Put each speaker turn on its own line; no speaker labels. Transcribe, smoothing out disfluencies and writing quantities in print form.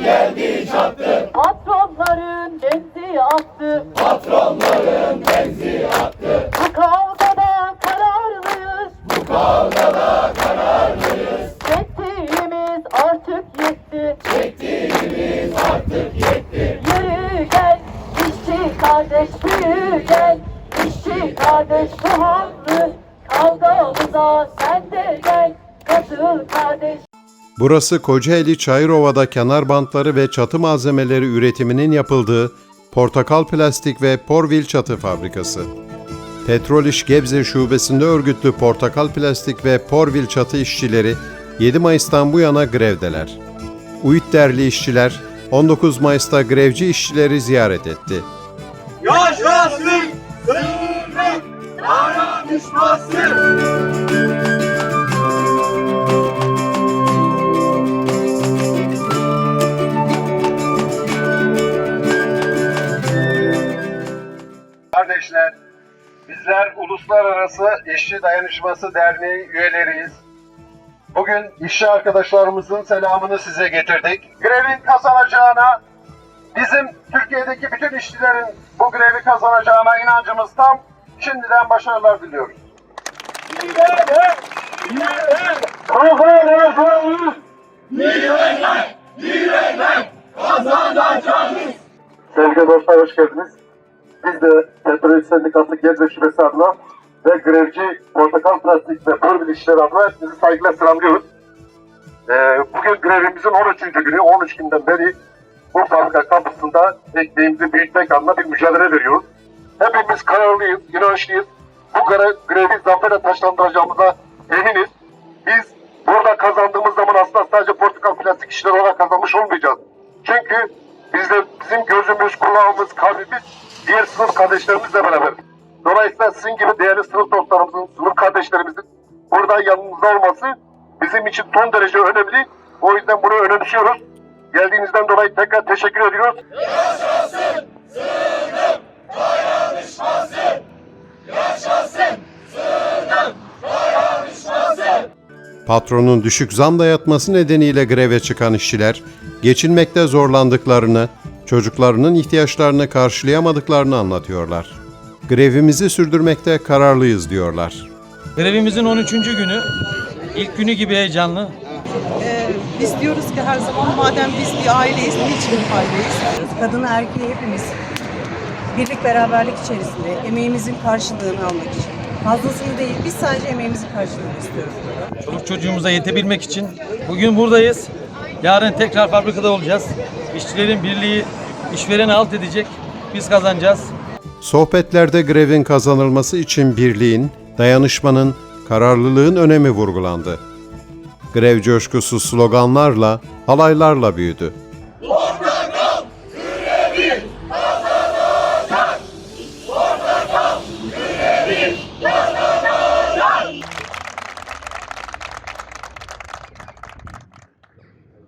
geldi çattı.
Patronların benzi attı.
Patronların benzi attı.
Bu kavgada kararlıyız.
Bu kavgada kararlıyız.
Çektiğimiz artık yetti.
Çektiğimiz artık yetti.
Yürü gel işçi kardeş, yürü gel işçi kardeş, bu haklı kavgamıza sen de gel, katıl kardeş.
Burası Kocaeli Çayırova'da kenar bantları ve çatı malzemeleri üretiminin yapıldığı Portakal Plastik ve Porvil Çatı Fabrikası. Petrol İş Gebze Şubesi'nde örgütlü Portakal Plastik ve Porvil Çatı işçileri 7 Mayıs'tan bu yana grevdeler. UİTDER'li işçiler 19 Mayıs'ta grevci işçileri ziyaret etti.
Yaşasın sınıf dayanışması.
Kardeşler, bizler Uluslararası İşçi Dayanışması Derneği üyeleriyiz. Bugün işçi arkadaşlarımızın selamını size getirdik. Grevin kazanacağına, bizim Türkiye'deki bütün işçilerin bu grevi kazanacağına inancımız tam. Şimdiden başarılar diliyoruz.
Kazanacağız.
Sevgili dostlar, hoş geldiniz. Biz de Petrol İş Sendikası Gebze Şubesi adına ve grevci Portakal Plastik ve Porvil İşçileri adına hepinizi saygıyla selamlıyoruz. Bugün grevimizin 13. günü, 13 günden beri bu fabrika kapısında ekmeğimizi büyütmek adına bir mücadele veriyoruz. Hepimiz kararlıyız, inançlıyız. Bu grevi zaferle taşlandıracağımıza eminiz. Biz burada kazandığımız zaman aslında sadece Portakal Plastik işleri olarak kazanmış olmayacağız. Çünkü bizim gözümüz, kulağımız, kalbimiz diğer sınıf kardeşlerimizle beraber. Dolayısıyla sizin gibi değerli sınıf dostlarımızın, sınıf kardeşlerimizin burada yanımızda olması bizim için son derece önemli. O yüzden bunu önemsiyoruz. Geldiğinizden dolayı tekrar teşekkür ediyoruz.
Yaşasın sınıf dayanışması. Yaşasın sınıf dayanışması.
Patronun düşük zam dayatması nedeniyle greve çıkan işçiler, geçinmekte zorlandıklarını, çocuklarının ihtiyaçlarını karşılayamadıklarını anlatıyorlar. Grevimizi sürdürmekte kararlıyız diyorlar.
Grevimizin 13. günü, ilk günü gibi heyecanlı.
Biz diyoruz ki her zaman madem biz bir aileyiz, niçin bir aileyiz? Kadını erkeği hepimiz birlik beraberlik içerisinde emeğimizin karşılığını almak için. Fazlasını değil, biz sadece emeğimizin karşılığını istiyoruz.
Çoluk çocuğumuza yetebilmek için bugün buradayız. Yarın tekrar fabrikada olacağız. İşçilerin birliği işvereni alt edecek. Biz kazanacağız.
Sohbetlerde grevin kazanılması için birliğin, dayanışmanın, kararlılığın önemi vurgulandı. Grev coşkusu sloganlarla, halaylarla büyüdü.